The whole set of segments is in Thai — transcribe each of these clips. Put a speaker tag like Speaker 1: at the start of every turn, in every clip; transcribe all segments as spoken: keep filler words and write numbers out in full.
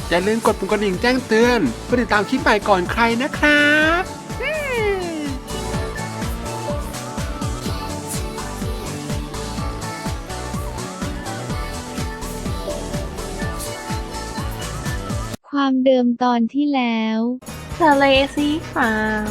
Speaker 1: อย่าลืมกดปุ่มกระดิ่งแจ้งเตือนเพื่อติดตามคลิปใหม่ก่อนใครนะครับ
Speaker 2: ความเดิมตอนที่แล้ว
Speaker 3: ทะเลสีฟ้า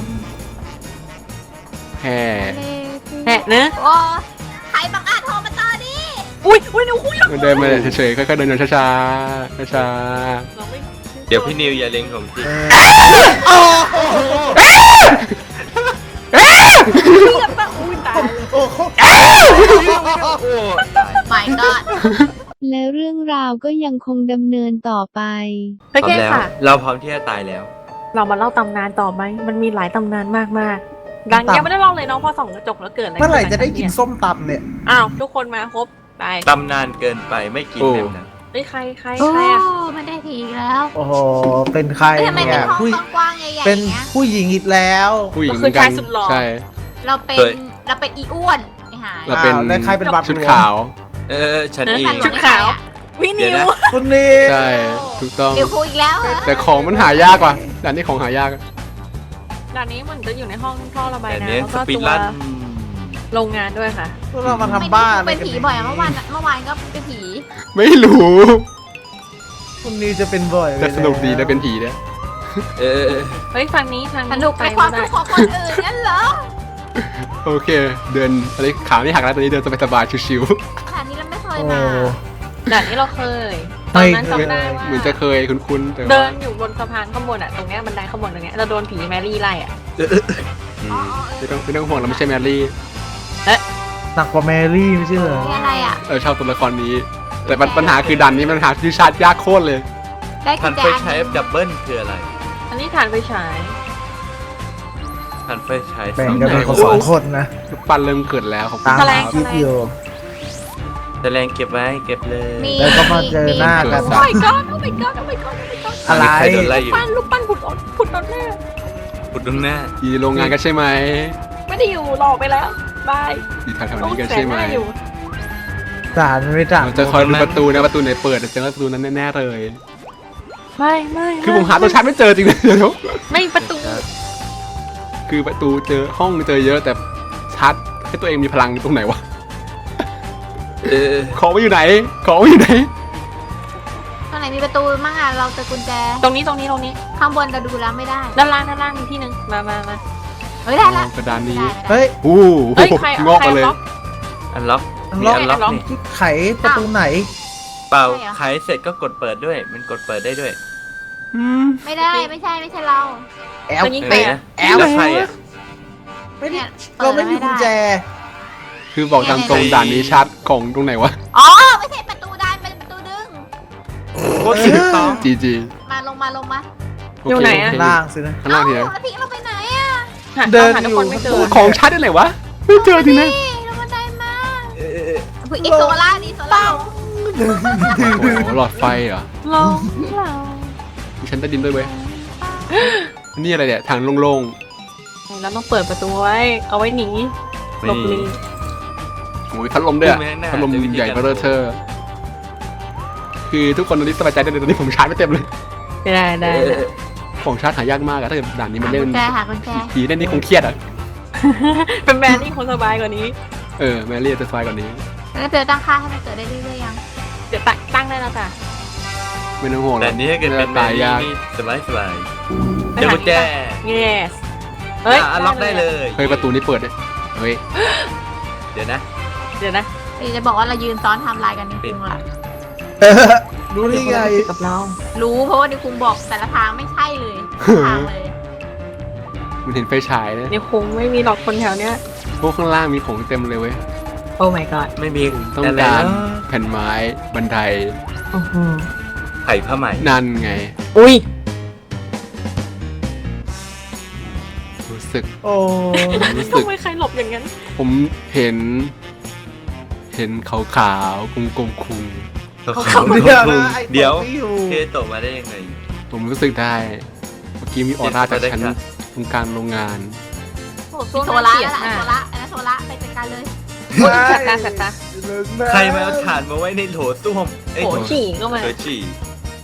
Speaker 1: แห่
Speaker 3: แหะเนอะ
Speaker 4: โอ้ใครบังอาจโทรมาต่อดิ
Speaker 3: อุ้ยอุ้ยหนูคุยแล้ว
Speaker 1: มันเดินมาเฉยๆค่อยๆเดินช้าๆช้า
Speaker 5: เดี๋ยวพี่นิวอย่าเล็งผมสิ
Speaker 4: ไม่ก็
Speaker 2: และเรื่องราวก็ยังคงดำเนินต่อไป
Speaker 3: โอเคค่ะ
Speaker 5: เราพร้อมที่จะตายแล้ว
Speaker 3: เรามาเล่าตำนานต่อไหมมันมีหลายตำนานมากๆดังยังไม่ได้เล่าเลยน้องพอส่องกระจกแล้วเกิดอะไร
Speaker 6: เมื่อไหร่จะได้กินส้มตำเนี่ย
Speaker 3: อ้าวทุกคนมาครบไป
Speaker 5: ตำนานเกินไปไม่กินแบบนั้น
Speaker 3: เฮ้ยใครใคร
Speaker 4: โอ้
Speaker 3: ใครอ่ะ
Speaker 4: มันได้ทีแล้ว
Speaker 6: โอ้โหเป็นใคร
Speaker 4: ทำไมเป็น
Speaker 6: เนี่ย
Speaker 4: ห้อง
Speaker 6: ผู้
Speaker 4: กว้างๆใหญ่ๆ
Speaker 6: เป็น
Speaker 4: เงี้ย
Speaker 6: ผู้หญิงอีกแล้ว
Speaker 1: ๆผู้หญิงเหมือนกันใช่
Speaker 4: เราเป็นเราเป็นอีอ้วนไอ้หาย
Speaker 1: เราเป็น
Speaker 6: แล้วใครเป็นบัตร
Speaker 1: ชุดขาว
Speaker 5: เออฉันเอง
Speaker 3: ชุดขาววินิว
Speaker 6: คุณนี่
Speaker 1: ใช่ถูกต้อง
Speaker 4: เดี๋ยวคุยอีกแล้วเหรอ
Speaker 1: แต่ของมันหายากกว่าด่านนี้ของหายาก
Speaker 3: ด่านนี้เหมือนจะอยู่ในห้องท่อระบาย
Speaker 5: แต่
Speaker 3: น้ำ
Speaker 5: เนี้ย
Speaker 3: แล้ว
Speaker 5: ส
Speaker 3: ก็
Speaker 5: ปีด
Speaker 3: ตัว
Speaker 5: ลัน
Speaker 3: โรงงานด้วยค่ะ
Speaker 6: พวกเรามาทำบ้าน
Speaker 4: เป็นผีบ่อยอะเมื่อวานเมื่อวานก็เป็นผี
Speaker 1: ไม่รู้
Speaker 6: คุณนี่จะเป็นบ่อย
Speaker 1: แต่สนุกดีนะเป็นผีเนี่ย
Speaker 5: เออ
Speaker 3: เฮ้ยฟังนี้ทาง
Speaker 4: สนุกในความทุกข์ของคนอื่นนั่นเหรอ
Speaker 1: โอเคเดินอะไรขาไม่หักแล้วตอนนี้เดินสบายๆชิว
Speaker 4: ค่ะนี่เราไม่เคย
Speaker 6: โอ้
Speaker 4: มา
Speaker 3: ด่านนี้เราเคยตอนนั้นจำได้
Speaker 1: ๆ
Speaker 3: ว่า
Speaker 1: เหมือนจะเคยคุ้นๆแต่
Speaker 3: เดิ
Speaker 1: ว่าน
Speaker 3: อยู่บนสะพานข้างบนอ่ะตรงเนี้ยบันไดข้างบนตรงเนี้ยเราโดนผีแมรี่ไล่อ่ะ
Speaker 1: อืมไม่ต้องไม่ต้องห่วงเราไม่ใช่แมรี่
Speaker 6: หนักกว่าแมรี่ไม่ใช่เหรอ
Speaker 4: นี่อะไรอ่ะ
Speaker 1: เออชอบตัวละครนี้ แต่ปัญหาคือดันนี้มันหาที่ชาร์จยากโคตรเลย
Speaker 4: ได้กุ
Speaker 5: ทั
Speaker 4: ญ
Speaker 5: น
Speaker 4: แจ
Speaker 5: ไฟใช้ดับเบิลคืออะไร
Speaker 3: อันนี้ฐานไฟฉาย
Speaker 5: ทันไฟใช้
Speaker 6: แบ่งกันเป็นคนสองคนนะ
Speaker 1: ลูกปั้นเริ่มเกิดแล้วของ
Speaker 6: ตาม
Speaker 3: แถลง
Speaker 6: คลิปอยู่
Speaker 5: แต่แรงเก็บไว้เก็บเลย
Speaker 6: แล้วก็มาเจอหน้ากัน
Speaker 3: โอ้ my god โอ้ my god โอ้ my god โอ้ my god
Speaker 6: อะไร
Speaker 5: ใครโดนไล่อยู่
Speaker 3: ปั้นลูกปั้นผุดออกผุดตอนแรก
Speaker 5: ปุดตรงหน้า
Speaker 1: ที่โรงงานกันใช่ไหม
Speaker 3: ไม่ได้อยู่หลอกไปแล้วบาย
Speaker 1: ที่ทางแถวนี้กันใช่ไหม
Speaker 3: อยู่
Speaker 6: สารไม่ต่าง
Speaker 1: เราจะคอยดูประตูนะประตูไหนเปิดจะเจอประตูนั้นแน่ๆเลย
Speaker 3: ไม่ไม่
Speaker 1: คือผมหาตัวชาร์จไม่เจอจริงๆเดี๋ยว
Speaker 3: ไม่ประตู
Speaker 1: คือประตูเจอห้องเจอเยอะแต่ชาร์จให้ตัวเองมีพลังตรงไหนวะ
Speaker 5: เออ
Speaker 1: ของไว้อยู่ไหนของไว้อยู่ไหน
Speaker 4: ตรงไหนมีประตูมั่งอ่ะเราเจอกุญแจ
Speaker 3: ตรงนี้ตรงนี้ตรงนี้
Speaker 4: ข้างบนเราดูแล้วไม่ได้
Speaker 3: ด้านล่างด้านล่างมีที่หนึ่งมามามา
Speaker 4: เฮ้ยได้ละ
Speaker 1: กระดานนี้
Speaker 6: เฮ้ย
Speaker 1: อู้
Speaker 3: เฮ้ยใคร
Speaker 1: งอกมาเลย
Speaker 5: อันล็อก
Speaker 6: อัน
Speaker 5: มี
Speaker 6: ล็อก
Speaker 5: อันล็อกนี่
Speaker 6: ไขประตูไหน
Speaker 5: เปล่าขายเสร็จก็กดเปิดด้วย มันกดเปิดได้ด้วย
Speaker 1: อืม
Speaker 4: ไม่ได้ไม่ใช่ไม่ใช่เรา
Speaker 6: แอล
Speaker 3: ตัวยิง
Speaker 5: เอ
Speaker 3: ไป
Speaker 5: อ
Speaker 3: อ่ะ
Speaker 5: แอลแล้วใครอ่ะ
Speaker 6: ไม่ได้
Speaker 4: เนี่ย
Speaker 6: เราไม่มีกุญแจ
Speaker 1: คือบอกตามตรงด่านนี้ชาร์จของตรงไหนวะ
Speaker 4: อ๋อไม่ใช่ประตูด้านเป็นประตูดึง
Speaker 5: โคตรถูกต้อง
Speaker 1: จีจี
Speaker 4: มาลงมาลงมา
Speaker 3: อยู่ไหนอะ
Speaker 6: ล่างสินะ
Speaker 1: ข้างล่างทีนะ
Speaker 4: แล้วพี่เราไปไหนอ่ะ
Speaker 3: หา
Speaker 6: เดิน
Speaker 3: หาทุกคนไม่เจอ
Speaker 1: ของชาร์จได้ไหนวะไม่เจอจริงนะ
Speaker 4: นี่เราบันไดมา
Speaker 5: เออเออเออ
Speaker 4: ผู้อีกโซล่าดีโซล่า
Speaker 1: โอ้โหหลอดไฟเหรอ
Speaker 3: ลองเรา
Speaker 1: มีชั้นใต้ดินด้วยเว้ยนี่อะไรเนี่ยทางโล่ง
Speaker 3: เราต้องเปิดประตูไว้ เอาไว้หนีหลบหนี
Speaker 1: ๆโอ้ยพัดลมด้วยอะพัดลมใหญ่เบ้อเธอคือทุกคนตอนนี้สบายใจได้เลยตอนนี้ผมชาร์จไม่เต็มเลย
Speaker 3: ได้ได้
Speaker 5: เออ
Speaker 1: ของชาร์จหายากมากอะถ้าเกิดด่านนี้มันเล่น
Speaker 4: กุญแจหากุญแจ
Speaker 1: ผีเล่นนี่คงเครียดอะ
Speaker 3: เป็นแบรนด์ที่คนสบายกว่านี้
Speaker 1: เออแมรี่จะสบายกว่านี้
Speaker 4: แล้วเจอตั้งค่าให้มันเกิดได้เรื่อยๆยัง
Speaker 3: เดี๋ยวตั้งตั้งได้แล้วจ้ะ
Speaker 1: ไม่ต้องห่วงหร
Speaker 5: แต่
Speaker 1: อก
Speaker 5: นี้ถ้าเกิดเป็นแม
Speaker 1: ตาย
Speaker 5: รี่
Speaker 1: ยาก
Speaker 5: นี่สบายสบายเดี๋ยวกุญแจ
Speaker 3: yes เฮ้ย
Speaker 5: อ่ะล็อกได้เลย
Speaker 1: เฮ้ยประตูนี้เปิดเนี่ยเฮ้ย
Speaker 5: เดี๋ยวนะ
Speaker 3: เดี๋ยวนะ
Speaker 4: พี่จะบอกว่าเรายืนซ้อนไทม์ไลน์กันนิคุงล่ะ
Speaker 6: รู้ได้ไง
Speaker 3: กับเรา
Speaker 4: รู้เพราะว่านิคุงบอกแต่ละทางไม่ใช่เลยทางเลย
Speaker 1: มันเห็นไฟฉายนะ
Speaker 3: เนี่ยคงไม่มีหรอกคนแถวเนี้ย
Speaker 1: พวกข้างล่างมีของเต็มเลยเว้ย
Speaker 3: โอ้ my god
Speaker 5: ไม่มี
Speaker 1: ต้อง
Speaker 5: อะไร
Speaker 1: การ
Speaker 5: แล้ว
Speaker 1: แผ่นไม้บันได
Speaker 3: โอ้โห
Speaker 5: ไผ่ผ้าไหม
Speaker 1: นั่นไง
Speaker 3: อุ้ย
Speaker 1: รู้สึก
Speaker 6: โอ้
Speaker 1: รู้สึก
Speaker 3: ทำไมใครหลบอย่างนั้น
Speaker 1: ผมเห็น เห็นขาวขาวๆกลมกลมๆคุง
Speaker 5: เขา
Speaker 6: เดี๋ยวนะไอ้
Speaker 5: เดี๋ยว
Speaker 6: ตรงที่อยู่
Speaker 5: เคโตะมาได้ยังไง
Speaker 1: ผมรู้สึกได้ เมื่อกี้มีออร่าจากชั้น
Speaker 5: เห็น
Speaker 1: ตรงกลางโรงงาน
Speaker 3: โอ้
Speaker 4: มีโซล่าแล้วล่ะโซล่าอันนั้นโซล่าไปจัดการเลย
Speaker 3: โอ้ยสัตตาสัตตา
Speaker 5: ใครมาเอาถ่านมาไว้ในโถส้วมเอ้ย
Speaker 3: โหฉี่ก็มา
Speaker 5: โถฉี่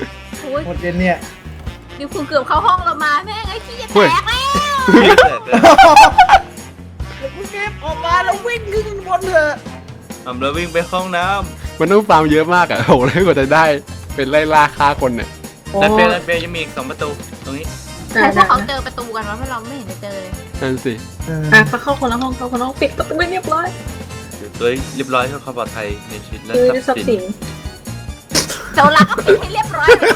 Speaker 4: โอ้ย
Speaker 6: หมดเย็นเนี่ย
Speaker 4: นิวคุงเกือบเข้าห้องเรามาแม่งไอ้ขี้จะแตกแล้ว
Speaker 6: มึงเก็บออกมาแล้ววิ่งขึ้นบนเถอะ
Speaker 5: อำเราวิ่งไปห้องน้
Speaker 1: มันต้องฟาร์มเยอะมากอะโอ้โหแล้วกว่าจะได้เป็นไล่ล่าฆ่าคนเนี่ย
Speaker 5: ำดันเปียดันเปียยังมีอีกสองประตูตรงนี้
Speaker 4: ใช่พวกเขาเจอประตูกันวะเพราะเราไม่เห็นจะเจอเลย
Speaker 1: นั่นสิ
Speaker 6: เออ
Speaker 3: อ่ะไปเข้าคนละห้องเข้าคนละห้องปิดประตูไม่เรียบร้อย
Speaker 5: อยู่ตัวเรียบร้อยเพื่อความปลอดภัยในชีวิตและ
Speaker 3: คือ
Speaker 5: ท
Speaker 3: ทรั
Speaker 5: รั
Speaker 3: พ
Speaker 5: พย์
Speaker 3: ย์
Speaker 5: สิ
Speaker 3: สิ
Speaker 5: น
Speaker 3: น
Speaker 4: โจรลักก็ปิดให้เรียบร้อยเลย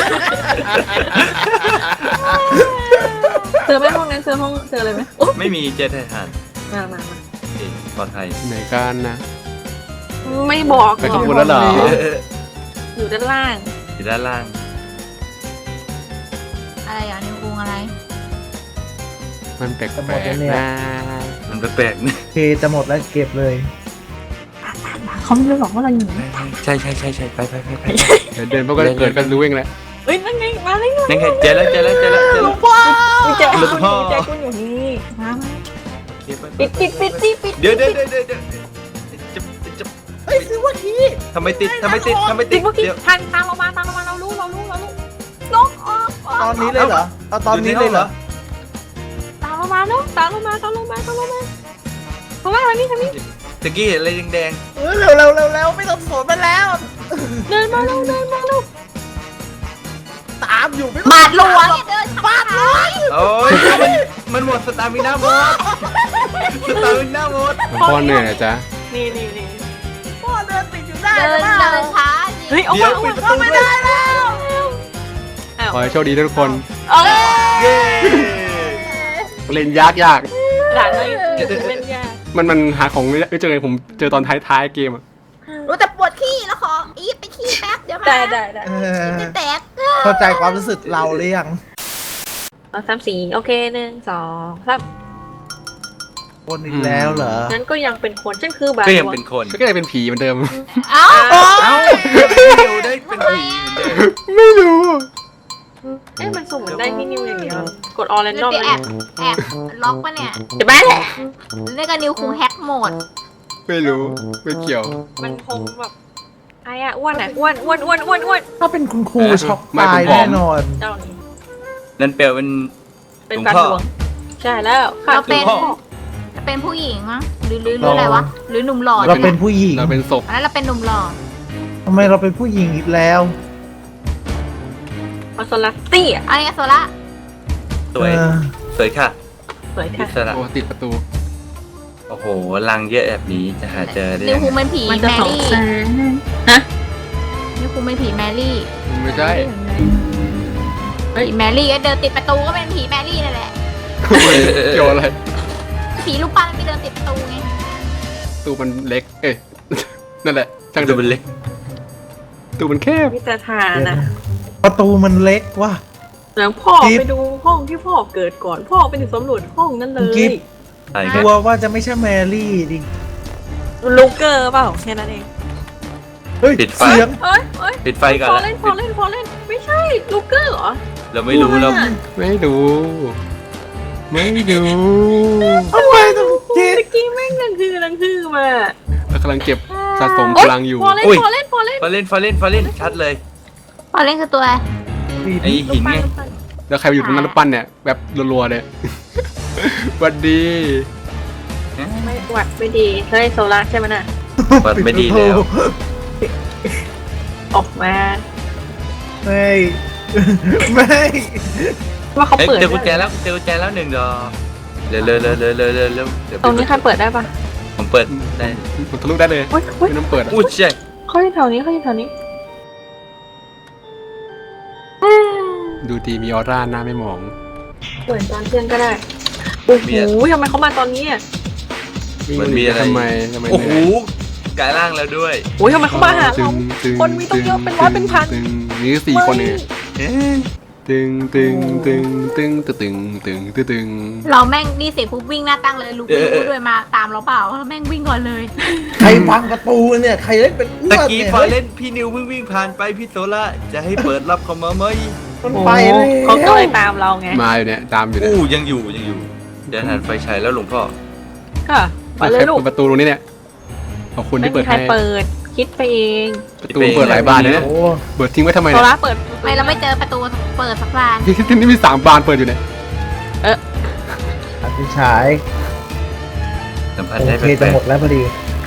Speaker 3: เจอไหมห้องนั้นเจอห้องเจอเลยไหมโอ้
Speaker 5: ไม่มีเจตทหาร
Speaker 3: มามามา
Speaker 5: โอเคปลอดภัย
Speaker 1: ไหนกันนะ
Speaker 3: ไม่บอก
Speaker 1: ไปขบวนแล้วเหรอ
Speaker 3: อยู่ด้านล่าง
Speaker 5: อยู่ด้านล่าง
Speaker 4: อะไรอ่ะนิวคุงอะไร
Speaker 1: มันแปลกๆนะ
Speaker 5: มันแปลกๆนะ
Speaker 6: เคจะหมดแล้วเก็บเลย
Speaker 3: เขาไม่รู้หรอกว่าเราอยู่ไหน
Speaker 5: ใช่ใช่ใช่ใช่ไปไปไปไป
Speaker 1: เดี๋ยวเดินพวกก็เกิดกันรู้เองแหละ
Speaker 3: เอ้ยนั่นไงมาเลย
Speaker 5: นั่นไงเจอแล้วเจอแล้วเจอแล้วเจอแล้ว
Speaker 3: กุญแจ
Speaker 5: หล
Speaker 3: กุ
Speaker 5: บ
Speaker 3: ญ
Speaker 5: พ่อ
Speaker 3: แจกุญอยู่นี่มามา
Speaker 5: เก็บไป
Speaker 3: ปิดปิดปิดปิดปิด
Speaker 5: เดี๋ยวเดี๋ยวเดี๋ยวเดี๋ยวเดี๋ยวจะจะ
Speaker 6: เฮ้ยซื้อว่าที
Speaker 5: ทำไมติดทำไมติดทำไม
Speaker 3: ปิ
Speaker 5: ติ
Speaker 3: ด
Speaker 5: ด
Speaker 3: เมื่อกี้
Speaker 5: เดี๋ยว
Speaker 3: ทางตามเรามาตามเรามาเรารู้เรารู้เรารู้
Speaker 4: ลกออกออก
Speaker 6: ตอนนี้เลยเหรอเอาตอนนี้เลยเหรอ
Speaker 3: ตามเรามาเนาะตามเรามาตามเรามาตามเรามาทางล่างทางนี้ทางนี้
Speaker 5: ตะกี้เห็นอะไรแดง
Speaker 6: เออเร็วเร็วเร็วเร็วไม่ต้องสนมันแล้ว
Speaker 5: ๆ
Speaker 3: เดินมาเร็วเดินมาเร็ว
Speaker 6: ตามอยู่ไม่
Speaker 4: บาดหลวงเดินบาดหลวง
Speaker 5: โอ้ยมันมันหมดสตามิน่าหมดสตามิน่าหมด
Speaker 1: มันพ่อเหนื่อยนะจ๊ะ
Speaker 3: นี่นี่นี่
Speaker 6: พ่อเดินติดอยู่ได้
Speaker 4: เดินเดินช้า
Speaker 3: เฮ้ยเอา
Speaker 5: เดี๋
Speaker 3: มา
Speaker 5: ยว
Speaker 3: เอา
Speaker 5: ปิ
Speaker 3: มา
Speaker 5: ดประตูไม่ได้แล้ว
Speaker 3: อ้าว
Speaker 1: ขอให้โชคดีทุกคน
Speaker 3: เอ้ย
Speaker 5: เย้
Speaker 1: เล่นยากยาก
Speaker 3: หลานเราเล่นยาก
Speaker 1: มันมันหาของไม่เจอไงผมเจอตอนท้ายๆเกมอะ
Speaker 4: รู้แต่ปวดขี้แล้วขออีฟไปขี้แป๊บเดี๋ยวมา
Speaker 3: ได้ได้ได้
Speaker 6: เออ
Speaker 4: จะแตก
Speaker 6: เข้าใจความรู้สึกเราหรือยัง
Speaker 3: เอาสามสี่โอเคหนึ่งสองสาม
Speaker 6: คนอีกแล้วเหรอ
Speaker 3: งั้นก็ยังเป็นคนฉันคือบา
Speaker 5: ก็ยังเป็นคน
Speaker 1: ก็เลยเป็นผีเหมือนเดิม
Speaker 4: เอ้า
Speaker 5: เอ้าเดี๋ยวได้เป็นผีเหมือนเดิม
Speaker 1: ไม่รู้
Speaker 3: เอ๊ะมันสุ่มมันได้ที่นิ้วอย่างเดียวกดออเรนดอม
Speaker 4: เดี๋ยว
Speaker 3: เล
Speaker 4: แอย บแอบล็อกปะเนี่ย
Speaker 3: เดี๋ยวแม่แหละ
Speaker 4: เรียกกันนิวคูแฮกโหมด
Speaker 1: ไม่รู้ไม่เกี่ยว
Speaker 3: มันคงแบบใครอะอ้วนอะอ้วนอ้วนอ้วนอ้วนอ้วน
Speaker 6: ถ้าเป็นคุณครู
Speaker 1: เออ
Speaker 6: ช็อก
Speaker 1: ไม่
Speaker 6: ตาย
Speaker 1: ผมผอม
Speaker 6: แน่นอน
Speaker 3: เจ้านี่
Speaker 5: นั่นเปลวเป็น
Speaker 3: เป็นฟันหลวงใช่แล้วค่ะ
Speaker 4: เราเป็น
Speaker 5: หลวงพ่อ
Speaker 4: จะเป็นผู้หญิงมั้งหรือหรือหรืออะไรวะหรือหนุ่มหล่อ
Speaker 6: เราเป็นผู้หญิง
Speaker 1: เราเป็นศพ
Speaker 4: อันนั้นเราเป็นหนุ่มหล่อ
Speaker 6: ทำไมเราเป็นผู้หญิงอีกแล้ว
Speaker 3: มาโซลัสตี้อะ
Speaker 4: อันนี้โซล่า
Speaker 5: สวย
Speaker 6: เออ
Speaker 5: สวยค่ะ
Speaker 3: สวย
Speaker 5: อิ
Speaker 3: ค่ะ
Speaker 5: สระ
Speaker 1: โอ้ติดประตู
Speaker 5: โอ้โหรังเยอะแบบนี้จะหาเจอได้
Speaker 4: นิว
Speaker 5: ยัง
Speaker 4: คู
Speaker 5: ไง
Speaker 4: เป็นผี
Speaker 3: มัน
Speaker 4: แม
Speaker 3: จะสอง
Speaker 4: รี่
Speaker 3: แสนฮะ
Speaker 4: นิวคูเป็นผีแมรี่
Speaker 1: ไม่ใช่
Speaker 4: ผีแมรี่ก็เดินติดประตูก็เป็นผีแมรี่นั่นแหละ
Speaker 1: เกี่ยวอะไร
Speaker 4: ผีลูกปั้นไปเดินติดประตูไง
Speaker 1: ตู้มันเล็ก เอ้ย นั่นแหละช่าง
Speaker 5: ดู
Speaker 1: เดิ
Speaker 5: เป็นเล็ก
Speaker 1: ตู้มันแคบ
Speaker 3: มิตรทาน
Speaker 6: เดี๋ยว
Speaker 3: นะ
Speaker 6: นะประตูมันเล็กว่ะ
Speaker 3: แล้วพ่อ
Speaker 6: จิ๊บ
Speaker 3: ไปดูห้องที่พ่อเกิดก่อน พ่อไปถึงสำรวจห้องนั้นเล
Speaker 6: จิ๊
Speaker 3: ย
Speaker 6: บ
Speaker 5: อะไร
Speaker 6: ก
Speaker 5: กัน
Speaker 6: ลัวว่าจะไม่ใช่แมรี่ดิ
Speaker 3: ลูกเกอร์เปล่าแค่นั้นเอง
Speaker 6: เฮ้ย
Speaker 5: ปิดไฟ
Speaker 6: เสียง
Speaker 3: เอ้ยเอ้ย
Speaker 5: ปิดไฟก่อน
Speaker 3: พอ
Speaker 5: ละ
Speaker 3: เล่นพอเล่นพอเล่นไม่ใช่ลูกเกอร์เหรอ
Speaker 5: เราไม่รู้เรา
Speaker 1: ไม่ดู ไม่ดู
Speaker 6: ทำไมต้องจิ๊บ
Speaker 3: เมื่อกี้แม่งนังคือนังคือมา
Speaker 1: เรากำลังเก็บสะสมพลังอยู่
Speaker 3: พอเล่นพอเล่นพอเล่น
Speaker 5: ฟาเล่นฟาเล่นฟาเล่นชัดเลย
Speaker 4: พอเล่นคือตัวอะไร
Speaker 5: ไอหินไง
Speaker 1: แล้วใครไปอยู่ตรงนั้นแล้วปั้นเนี่ยแบบรัวๆเนี่ย หวัดดี
Speaker 3: ไม่หวัดไม่ดีเฮ้ยโซล่าใช่ไหมน่ะ
Speaker 5: วัดไม่ดีแล้ว
Speaker 3: ออกมา
Speaker 6: ไม่ไม่
Speaker 3: ว่าเขา
Speaker 5: เอ้ย
Speaker 3: เปิด
Speaker 5: เจอกุญแจแล้วเจอกุญแจแล้วหนึ่งดอกเร็วเร็วเร็วเร็วเร็วเร็วเร็วเดี๋ยว
Speaker 3: ตรงนี้ใครเปิดได้ปะ
Speaker 5: ผมเปิดได้
Speaker 1: มันทะลุได้เลย
Speaker 3: โอ๊ยโอ๊ย
Speaker 1: ไม่ต้องเปิดอะ
Speaker 5: อุ้ยใช่
Speaker 3: เขาอยู่แถวนี้เขาอยู่แถวนี้
Speaker 1: ดูดีมีออร่าหน้าไม่หมอง
Speaker 3: เปิดตอนเที่ยงก็ได้โอ้โหทำไมเขามาตอนนี้อ่ะ
Speaker 5: มันมีอะไร
Speaker 1: ทำไมทำไม
Speaker 5: โอ้โห
Speaker 1: เนี่ย
Speaker 5: กลายร่างแล้วด้วย
Speaker 3: โอ้ยทำไมเขามาหาเรา
Speaker 1: ตึง
Speaker 3: คนมีต้องเยอะเป็นร้อยเป็นพัน
Speaker 1: ตึงนี่สี่คนเนี่ย
Speaker 5: เอ๊ะ
Speaker 1: ตึงตึงตึงตึงตึงตึงตึงตึงตึง
Speaker 4: เราแม่งนี่เสียปุ๊บวิ่งหน้าตั้งเลยลูกไม่รู้ด้วยมาตามเราเปล่าแล้วแม่งวิ่งก่อนเลย
Speaker 6: ใครพังประตูเนี่ยใครเล่นเป็นอ้ว
Speaker 5: ตะ
Speaker 6: น
Speaker 5: กี้
Speaker 6: เนี่ย
Speaker 5: พอเล่นพี่นิวเพิ่งวิ่งผ่านไปพี่โซล่าจะให้เปิดรับเขามาไหม
Speaker 6: มัน
Speaker 3: โอ้
Speaker 6: ไป
Speaker 3: โห
Speaker 6: เลย
Speaker 3: เขาก็เลยตามเราไง
Speaker 1: มาอยู่เนี่ยตามอยู่เนี่ย
Speaker 5: อู้ยังอยู่ยังอยู่เดี๋ยวหันไฟฉายแล้วหลวงพ่อ
Speaker 3: ค่ะไปเลยลูก
Speaker 1: เปิดประตูตรงนี้เนี่ยขอบคุณ
Speaker 3: ไม่
Speaker 1: ที่
Speaker 3: มี
Speaker 1: เปิด
Speaker 3: ใคร
Speaker 1: ให้
Speaker 3: เปิดคิดไปเอง
Speaker 1: ประตูเปิดหลายบานเลยเนี่ย
Speaker 6: โอ้
Speaker 1: เปิดทิ้งไว้ทำไม
Speaker 3: โซ
Speaker 1: เนี่ย
Speaker 3: ล่าเปิด
Speaker 4: ไม่เราไม่เจอประตูเปิดสักบาน
Speaker 1: ที่ที่นี่มีสามบานเปิดอยู่เนี่ย
Speaker 6: อธิฉาย
Speaker 5: สัมผัส
Speaker 6: โอ
Speaker 5: ได้
Speaker 6: เค
Speaker 5: แปล
Speaker 6: จะ
Speaker 5: ก
Speaker 6: หมดแล้วพอดี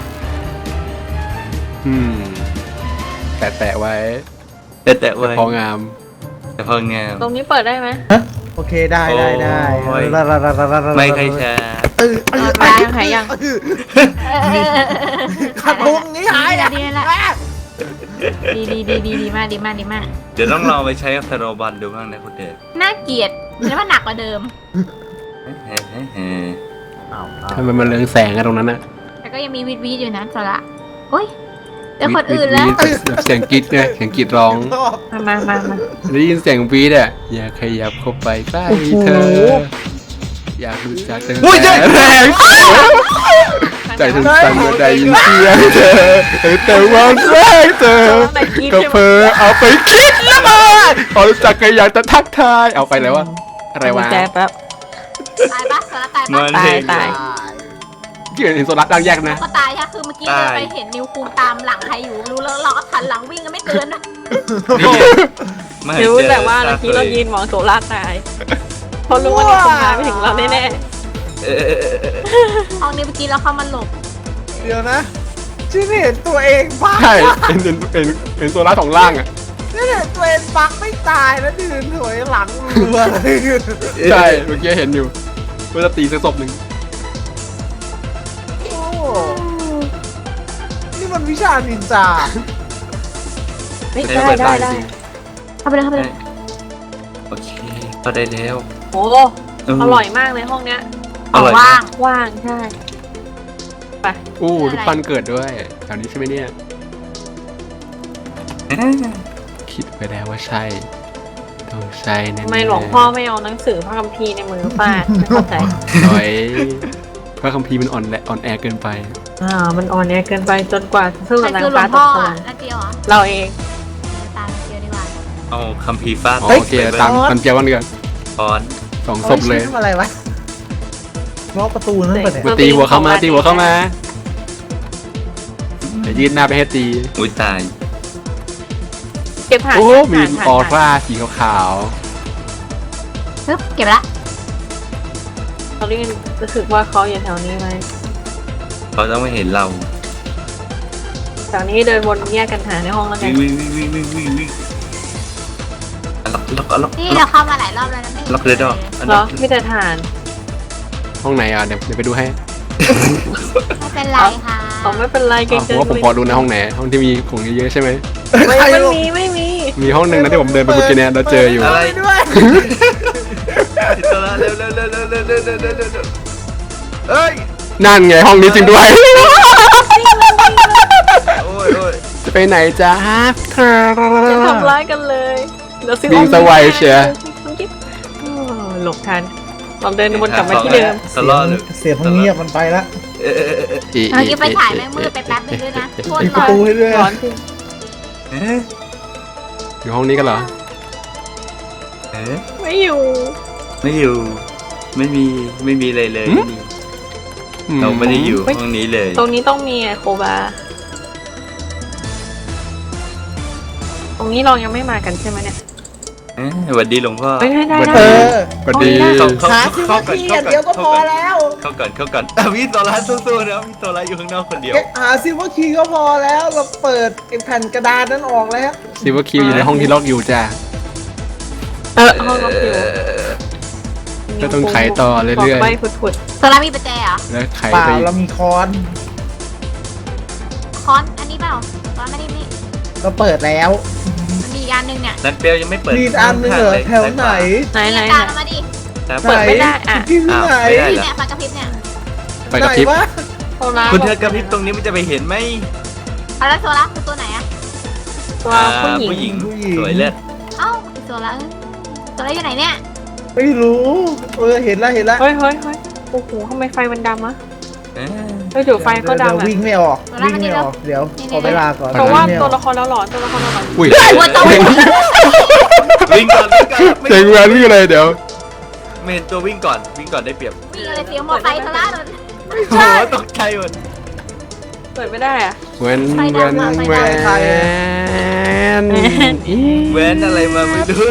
Speaker 1: อืมแตะแตะไว้
Speaker 5: ๆแต่แต่ไว้
Speaker 1: พองาม
Speaker 5: แต่พองาม
Speaker 3: ตรงนี้เปิดได้ไหม
Speaker 6: โอเคได้ได้ได้
Speaker 5: โอ้ย
Speaker 6: ลาลาลาลาลาลา
Speaker 5: ไม่ใครแชร์
Speaker 6: เออเออ
Speaker 3: หายยังหายยัง
Speaker 6: ขัดลงนี้หาย
Speaker 4: ดี
Speaker 6: อ่ะ
Speaker 4: ดีละดีดีดีดีดีมากดีมากดีมาก
Speaker 5: เดี๋ยวต้องลองไปใช้กับธนบันดูบ้างนะคุณเดช
Speaker 4: น่าเกลียดแล้วว่าหนักกว่าเดิม
Speaker 5: เฮ้เฮ้เฮ้
Speaker 6: เอาเอา
Speaker 1: ทำไมมันเรืองแสงอะตรงนั้นอะ
Speaker 4: แต่ก็ยังมีวิดวิดอยู่นะสระโอ้ยเจอคนอื่นแล้ว
Speaker 1: วีดวีดแบบเสียงกรีดเนี่ยเสียงกรีดร้อง
Speaker 3: มามามามา
Speaker 1: ได้ยินเสียงวีดอะอย่าขยับเข้าไปใกล้เธอ อยากรู้จักตั้งแต่แรกใจถึงสั่นเมื่อได้ยินเสียงเธอแต่วันแรกเธอก็เพอเอาไปคิดละมาพอรู้จักก็อยากจะทักทายเอาไปแล้ววะอะไรวะ
Speaker 3: แจแป๊บ
Speaker 4: ตายปะสระตาย
Speaker 5: มั
Speaker 4: ปะ
Speaker 5: นเห็น
Speaker 3: ตาย
Speaker 1: ที่เห็นโซลัสดังแยกนะ
Speaker 4: ก็ตายค่ะคือเมื่อกี้เราไปเห็นนิวคูตามหลังใครอยู่รู้แล้วเราก็ทันหลังวิ่งกันไม่เกินนะ
Speaker 5: ไม่
Speaker 3: รู้
Speaker 5: เจอ
Speaker 3: แต่ว่าเมื่อกี้เรายืนมองโซล่าตายเพราะรู้ว่านี่คงมาไม่ถึงเราแน่
Speaker 5: เออ
Speaker 4: ห้องนี้เมื่อกี้เราเข้ามาหลบ
Speaker 6: เดี๋ยวนะฉันเห็นตัวเองบัก
Speaker 1: ใช่เป็นเป็นเป็นเป็นโซล่าสองล่างอ่ะ
Speaker 6: ฉันเห็นตัวเองบักไม่ตายแล้วยืนถอยหลังรัวเลย
Speaker 1: ใช่เมื่อกี้เห็นอยู่เพื่อจะตีสักศพหนึ่ง
Speaker 6: โอ้นี่มันวิชานินจา
Speaker 3: เฮ้ย
Speaker 5: ใช้
Speaker 3: ได้
Speaker 5: เปิด
Speaker 3: ได้
Speaker 5: บ้าน
Speaker 3: ได้
Speaker 5: จริง
Speaker 3: เข้าไปเลยเข้าไปเลย
Speaker 5: โอเคก็ได้แล้ว
Speaker 3: โอ้อร่อยมากเลยห้องเนี้ย
Speaker 5: อร่อย
Speaker 4: ว่าม
Speaker 5: าง ก
Speaker 3: ว่างใช่
Speaker 1: อู้รูปปั้นเกิดด้วยแถวนี้ใช่ไหมเนี่ยคิดไปแล้วว่าใช่ต้องใช่แน่ๆ
Speaker 3: ทำไมหลวงพ่อไม่เอาหนังสือพระคัมภีร์ในมือฟาดไม่เข้าใจ
Speaker 1: หน่อยพระคัมภีร์มันอ่อนแหละอ่อนแอเกินไป
Speaker 3: อ่ามันอ่อนแอเกินไปจนกว่าจะสู้
Speaker 4: ใคร
Speaker 3: กับนาง
Speaker 4: คือหลว
Speaker 3: ฟ้าง ต
Speaker 4: พ่อก
Speaker 3: สวร
Speaker 4: อ่ะ
Speaker 3: รค์
Speaker 4: นาเจียวเหรอ
Speaker 3: เราเอง
Speaker 4: ตามนาเจียวดีกว่า
Speaker 5: เอาคัมภีร์ฟาด
Speaker 1: อ๋อโอเคตามตามเจียววันเดือน
Speaker 5: ตอน
Speaker 1: สองศพเลย
Speaker 6: อาไว้ชิ้นทำอะไรวะล็อกประตูนั่นปะเนี่ย
Speaker 1: มาตีหัวเข้ามาตีหัวเข้ามาเดี๋ยวยืดหน้าไปให้ตี
Speaker 5: อุ้ยตาย
Speaker 3: เก็บผ่าน
Speaker 1: โอ้
Speaker 3: ผ่าน
Speaker 1: มี
Speaker 3: ผ่าน
Speaker 1: ออ
Speaker 3: ผ่าน
Speaker 1: ร่าสีขาว
Speaker 4: ปึ๊บเก็บละ
Speaker 3: เขาเรียกรู้สึกว่าเขาอยู่แถวนี้ไหม
Speaker 5: เขาต้องไม่เห็นเรา
Speaker 3: แถวนี้เดินวนแยกกันหาในห้องแล้วกั
Speaker 5: วิ่
Speaker 3: น
Speaker 5: งวิ่งวิ่งวิ่งวิ่งวิ่งวิ่งอ่ะล็อกล็อกล็อก
Speaker 4: นี่
Speaker 5: ล็
Speaker 4: เรา
Speaker 5: อก
Speaker 4: เข้ามาหลายรอบแล้วนะไม่
Speaker 5: ล็อกเลยดอกอัน
Speaker 3: เหร
Speaker 5: นั้
Speaker 3: อน ไม่แต่ฐาน
Speaker 1: ๆห้องไหนอ่ะเดี๋ยวเดี๋ยวไปดูให้
Speaker 4: ไม่เป็นไรค่ะ
Speaker 3: อ๋อไม่เป็นไรเกร
Speaker 1: อ๋
Speaker 3: ง
Speaker 1: อ
Speaker 3: ใจ
Speaker 1: ผมว่าผมพอดูนะห้องไหนห้องที่มีของเยอะๆใช่ไหม
Speaker 3: ไม่
Speaker 6: ใคร
Speaker 3: ไม่
Speaker 6: ลง
Speaker 3: มีไม่มี
Speaker 1: มีห้องหนึ่งนะที่ผมเดินไปเมื่อกี้เนี่ยเราเจออยู่
Speaker 5: อะไร
Speaker 6: ปิดด้วย
Speaker 5: ติดตัวละเร็วเร็วเร็วเร็วเร็วเร็วเร็วเร็วเร็วเร็วเอ้ย
Speaker 1: นั่นไงห้องนี้จริงด้วย
Speaker 5: โอ้ยโอ้ย
Speaker 1: จะไปไหนจ้า
Speaker 3: จะทำร้ายกันเลยเดี๋ยวซื้อ
Speaker 1: วิ่งสวัยเชียร์
Speaker 3: คุณกิ๊บโอ้หลบทันเราเดินวนกลับมาที่เดิม
Speaker 5: ตลอดเลย
Speaker 6: เสียงมันเงียบมันไปละ
Speaker 5: เอ๊ะเอ๊ะเอ๊ะเอ๊ะ
Speaker 1: อี
Speaker 4: เมื่อกี้ไปถ่ายแม่งมืดไปแป๊บนึงด้วยนะโคตร
Speaker 6: ปิดป
Speaker 4: ร้
Speaker 6: ระ
Speaker 4: อน
Speaker 6: ตูให้ด้วย
Speaker 3: ร้อนจริง
Speaker 5: เอ๊ะ
Speaker 1: อยู่ห้องนี้กันเหรอ
Speaker 5: เอ๊ะ
Speaker 3: ไม่อยู่
Speaker 5: ไม่อยู่ ไม่มีไม่มีอะไรเลย
Speaker 1: หืม
Speaker 5: ไม่มีเราไม่ได้อยู่ห้องนี้เลย
Speaker 3: ตรงนี้ต้องมีอะโคบา ตรงนี้เรายังไม่มากันใช่ไหมเนี่ย
Speaker 5: เอ๊ะสวัสดีหลวงพ่อ
Speaker 3: ไม่ได้ได้
Speaker 1: สวัส
Speaker 3: ได้
Speaker 1: ดี
Speaker 6: เออ
Speaker 1: สวัสดี
Speaker 5: เข้าเข้า
Speaker 6: หาสิ
Speaker 5: เข้า
Speaker 6: ว่า
Speaker 5: ก่อน
Speaker 6: ที
Speaker 5: เข้า
Speaker 6: อย่าง
Speaker 5: ก่อน
Speaker 6: เดียวก็พอแล้ว
Speaker 5: เข้าก่อนเข้าก่อนอ่ะพี่โซล่าสู้ๆนะพี่โซล่าอยู่ข้างนอกคนเดียว
Speaker 6: แค่หาซิว่าคีย์ก็พอแล้วเราเปิดไอ้แผ่นกระดานนั้นออกแล้ว
Speaker 1: ซิลเวอร์คิวอยู่ในห้องที่ล็อกอยู่จ้า
Speaker 3: เออห้องล็อกอยู่
Speaker 1: ก็ต้องไขต่อเรื่อยๆ
Speaker 3: บอกใบผุด
Speaker 4: โซล่ามีประแจเหรอ
Speaker 1: แล้วไข
Speaker 6: เปล่า
Speaker 1: ไป
Speaker 6: เรามีคอน
Speaker 4: คอนอันนี้เปล่าคอนไม่ได้นี่
Speaker 6: เราเปิดแล้ว
Speaker 4: มันมีอีกอันหนึงเนี่ย
Speaker 5: นันเปียวยังไม่เปิด
Speaker 6: มีอีกอันหนึงเหรอแถวไหน
Speaker 3: ๆไหนไหน
Speaker 4: นี่
Speaker 3: ไหน
Speaker 4: ตามมาดิ
Speaker 5: ครับ
Speaker 3: เปิดไม่ได้อะ
Speaker 6: ที่ที่ไหน
Speaker 5: อ้าวไม่ได้
Speaker 4: นี่
Speaker 5: เหรอ
Speaker 4: เนี่ยไฟกระพริบเนี่ย
Speaker 1: ไปกับพริบ
Speaker 6: ไหนวะ
Speaker 3: โซล่า
Speaker 5: คุณเธอกระพริบตรงนี้มันจะไปเห็นไหม
Speaker 4: เอาแล้วโซล่าคือตัวไหนอะ
Speaker 3: ตัว
Speaker 5: อ่า
Speaker 3: ผู้หญิง
Speaker 5: ผู้หญิงสวยเลิศ
Speaker 4: เอ้าโซล่าเอ้ยโซล่าอยู่ไหนเนี่ย
Speaker 6: ไม่รู้เออเห็นแล้วเห็นแล้ว
Speaker 3: เฮ้ยเฮ้ยเฮ้ยโอ้โหทำไมไฟมันดำอะ
Speaker 5: เอ๊ะ
Speaker 3: เฮ้ยเดี๋ยวไฟก็
Speaker 6: เดี๋ยว
Speaker 3: ดำอะ
Speaker 6: วิ่งไม่ออกวิ่งไม่ออกเดี๋ยวขอเวลาก่อน
Speaker 3: เพราะว่า
Speaker 6: วิ่งไม่อ
Speaker 3: ตัว
Speaker 6: อก
Speaker 3: ละครเราหลอนตัวละครเราหลอน
Speaker 1: อุ้ย
Speaker 4: หัวโต
Speaker 5: วิ่งก่อนวิ่งก่อนไม่
Speaker 1: เจ๋งแหวนนี่เลยเดี๋ยว
Speaker 5: ไม่เห็นตัววิ่งก่อนวิ่งก่อนได้เปรียบ
Speaker 4: มีอะไรเสียงมอไซค์โซล่าโดน
Speaker 5: โอ้โหตกใจหมด
Speaker 3: เปิดไม่ได้อะ
Speaker 1: แหวนแหวนแหวน
Speaker 5: แหวนอะไรมาไม่รู้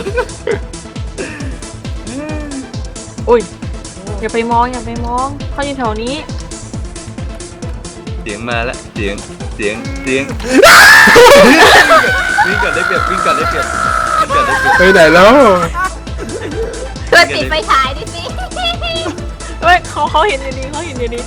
Speaker 3: อุ้ยอย่าไปมองอย่าไปมองเขาอยู่แถวนี้
Speaker 5: เสียงมาแล้วเสียงเสียงเสียงวิ่งก่อนได้เปรียบวิ่งก่อนได้เปรียบวิ่งก่อนได้เปรียบ
Speaker 1: ไปไหนแล้ว
Speaker 4: ช่วยปิดไฟฉายดิสิ
Speaker 3: เฮ้ยเขาเขาเห็นอยู่ดีเขาเห็นอยู่ดี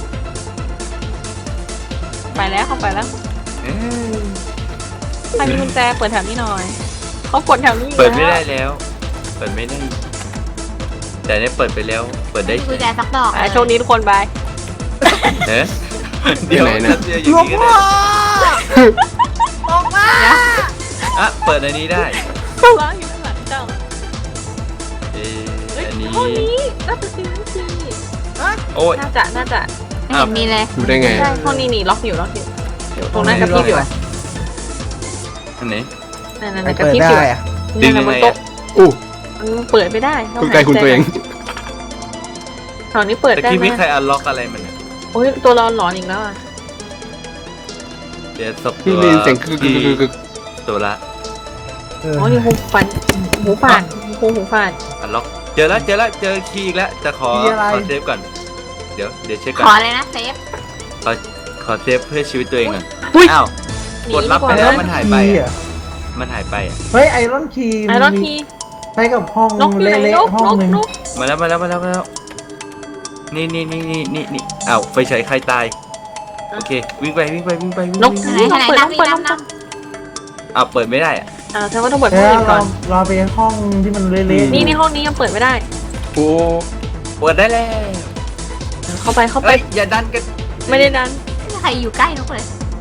Speaker 3: ไปแล้วเขาไปแล้ว
Speaker 5: เอ๊ะ
Speaker 3: ใครมีกุญแจเปิดแถวนี้หน่อยเขากดแถวนี้อยู่
Speaker 5: เปิดไม่ได้
Speaker 3: แล้ว
Speaker 5: แล้ว เปิดไม่ได้ แต่เนี่ยเปิดไปแล้ว เปิดได้
Speaker 4: กุญแจสักดอก
Speaker 3: อ่ะโชคดีทุกคนบาย
Speaker 5: เอ๊ะเดี๋ยว
Speaker 1: ไหนนะ
Speaker 5: จะอย่าง
Speaker 6: หลวง
Speaker 5: นี้ก็
Speaker 6: พ่อ
Speaker 5: ได้
Speaker 6: ออกมา
Speaker 5: อ่ะเปิดอันนี้ได้
Speaker 3: ร้านอยู่ข้างหลังเจ้า
Speaker 5: เอ๊ะ
Speaker 3: เฮ้ย
Speaker 5: อันนี้
Speaker 3: ห้องนี้น่าจะซีซี
Speaker 5: โอ้ย
Speaker 3: น่าจะน่าจะ
Speaker 4: ไม่เห็นมีเลย
Speaker 1: ดูได้ไง
Speaker 3: ใช่ห้องนี้นี่ล็อกอยู่ล็อกอยู่เดี๋ยวตรงนั้นกระพริบอยู่อะ
Speaker 5: อันไหน
Speaker 3: นั่นนั่น
Speaker 6: ไม่
Speaker 3: กระ
Speaker 6: เปิด
Speaker 3: พริบอยู่
Speaker 6: ได้อะ
Speaker 5: ดึ
Speaker 3: นั่น
Speaker 5: ง
Speaker 3: น่ะ
Speaker 5: ยัง
Speaker 3: บ
Speaker 5: ไง
Speaker 3: นโต๊ะ
Speaker 5: อะ
Speaker 1: อู้
Speaker 3: มันเปิดไม่ได้
Speaker 1: ตกใจคุณตัวเอง
Speaker 3: ตอนนี้เปิด
Speaker 5: ตะ
Speaker 3: ได้
Speaker 5: กี้
Speaker 3: ไหม
Speaker 5: ไม่ใครอันล็อกอะไรมันอะ
Speaker 3: โอ้ยตัวเราหลอนอีกแล้วอ่ะ
Speaker 5: เดี๋ยวศพ
Speaker 1: นี่
Speaker 5: ตัว
Speaker 1: ได้ยินเสียงกึกกึกกึกกึก
Speaker 5: ตัวละ
Speaker 6: เออ
Speaker 3: โอ้ยนี่หูฟันหูฝาดหูหูฝาด
Speaker 5: อันล็อก เจอแล้วเจอแล้วเจอคีย์อีกแล้วจะขอขอเซฟก่อน เดี๋ยวเดี๋ยวเช็คก่อ
Speaker 4: ขอน เลยนะเซฟ
Speaker 5: ขอขอเซฟเพื่อชีวิตตัวเองก่อนอ้าว
Speaker 3: หนี
Speaker 5: กด
Speaker 3: ดี
Speaker 5: รับ
Speaker 3: ก
Speaker 5: ไป
Speaker 3: ว่า
Speaker 5: แล้ว
Speaker 3: นะ
Speaker 5: มันหายไป
Speaker 6: คีย์
Speaker 5: อะ
Speaker 6: อะ
Speaker 5: มันหายไปอะ
Speaker 6: เฮ้ยไอรอนคีย์
Speaker 3: ไอรอนที
Speaker 6: ใช้กับห้อง
Speaker 3: นกอยู่ไหน
Speaker 6: เละ
Speaker 3: นก
Speaker 6: ๆห้อง
Speaker 3: นก
Speaker 6: หนึ่ง
Speaker 3: นก
Speaker 5: มาแล้วมาแล้วมาแล้วมาแล้วนี่นี่นี่นี่นี่นี่อ้าวไฟฉายใครตายโอเควิ่งไปวิ่งไปวิ่งไปวิ่ง
Speaker 3: นก
Speaker 5: วิ่ง
Speaker 4: ไหน
Speaker 3: ต้อง
Speaker 4: ไหน
Speaker 3: เปิด
Speaker 4: นั
Speaker 3: ต้
Speaker 4: บ
Speaker 3: อง
Speaker 4: นี่
Speaker 3: เปิด
Speaker 4: นั
Speaker 3: ต้อบ ง
Speaker 4: นับ
Speaker 5: อ้าวเปิดไม่ได้อะ
Speaker 3: อ่าแสดงว่าต้องเปิดห้
Speaker 6: แล้
Speaker 3: อง
Speaker 6: ว
Speaker 3: อื่นก่
Speaker 6: เรา
Speaker 3: อน
Speaker 6: เราไปห้องที่มันเละๆ
Speaker 3: นี่ในห้องนี้ยังเปิดไม่ได้
Speaker 1: โอ้
Speaker 5: เปิดได้แล้ว
Speaker 3: เข้าไปเข้าไป
Speaker 5: เอ้ยอย่าดันกัน
Speaker 3: ไม่ได้ดัน
Speaker 4: ไม่มีใครอยู่ใกล้นกเลย